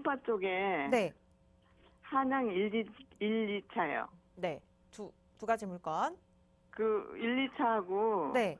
송파 쪽에 네. 한양 1, 2차요. 네. 두 가지 물건. 그 1, 2차하고 네.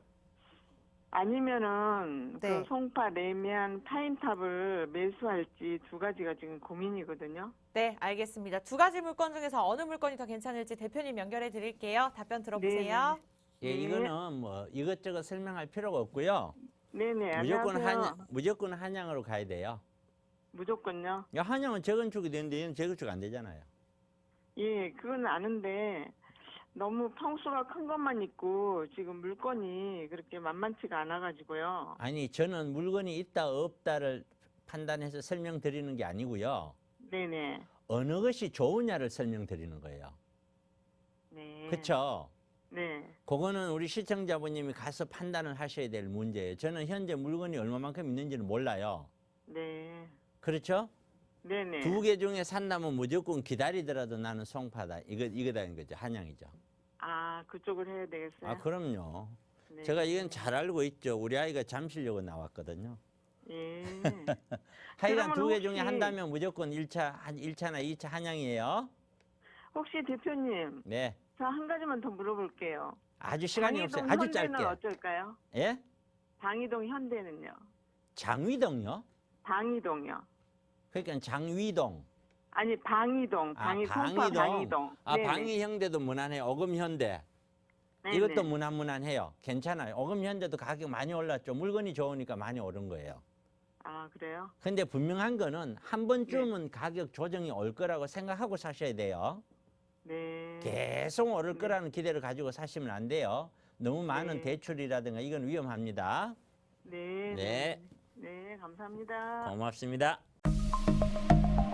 아니면은 네. 그 송파 레미안 타임탑을 매수할지 두 가지가 지금 고민이거든요. 네, 알겠습니다. 두 가지 물건 중에서 어느 물건이 더 괜찮을지 대표님 연결해 드릴게요. 답변 들어보세요. 네. 예, 이거는 뭐 이것저것 설명할 필요가 없고요. 네네. 무조건 안녕하세요. 무조건 한양으로 가야 돼요. 무조건요. 야, 한양은 재건축이 되는데 얘는 재건축 안 되잖아요. 예, 그건 아는데 너무 평수가 큰 것만 있고 지금 물건이 그렇게 만만치가 않아가지고요. 아니, 저는 물건이 있다 없다를 판단해서 설명드리는 게 아니고요. 네네. 어느 것이 좋으냐를 설명드리는 거예요. 네. 그렇죠? 네. 그거는 우리 시청자분님이 가서 판단을 하셔야 될 문제예요. 저는 현재 물건이 얼마만큼 있는지는 몰라요. 네. 그렇죠? 네네. 두 개 중에 산다면 무조건 기다리더라도 나는 송파다. 이거다는 거죠. 한양이죠. 아, 그쪽을 해야 되겠어요? 아, 그럼요. 네. 제가 이건 잘 알고 있죠. 우리 아이가 잠실여고 나왔거든요. 예. 하여간 그러면 두 개 중에 혹시- 한다면 무조건 1차나 2차 한양이에요. 혹시 대표님, 네. 저 한 가지만 더 물어볼게요. 아주 시간이 없어요. 방이동 아주 현대는 짧게. 어쩔까요? 예? 방이동 현대는요? 장위동요? 방이동요. 그러니까 장위동. 아니, 방이동. 송파 방이동. 아, 네네. 방위현대도 무난해요. 어금현대. 네네. 이것도 무난무난해요. 괜찮아요. 어금현대도 가격 많이 올랐죠. 물건이 좋으니까 많이 오른 거예요. 아, 그래요? 근데 분명한 거는 한 번쯤은 가격 조정이 올 거라고 생각하고 사셔야 돼요. 네. 계속 오를 거라는 기대를 가지고 사시면 안 돼요. 너무 많은 네. 대출이라든가 이건 위험합니다. 네. 네. 네, 감사합니다. 고맙습니다.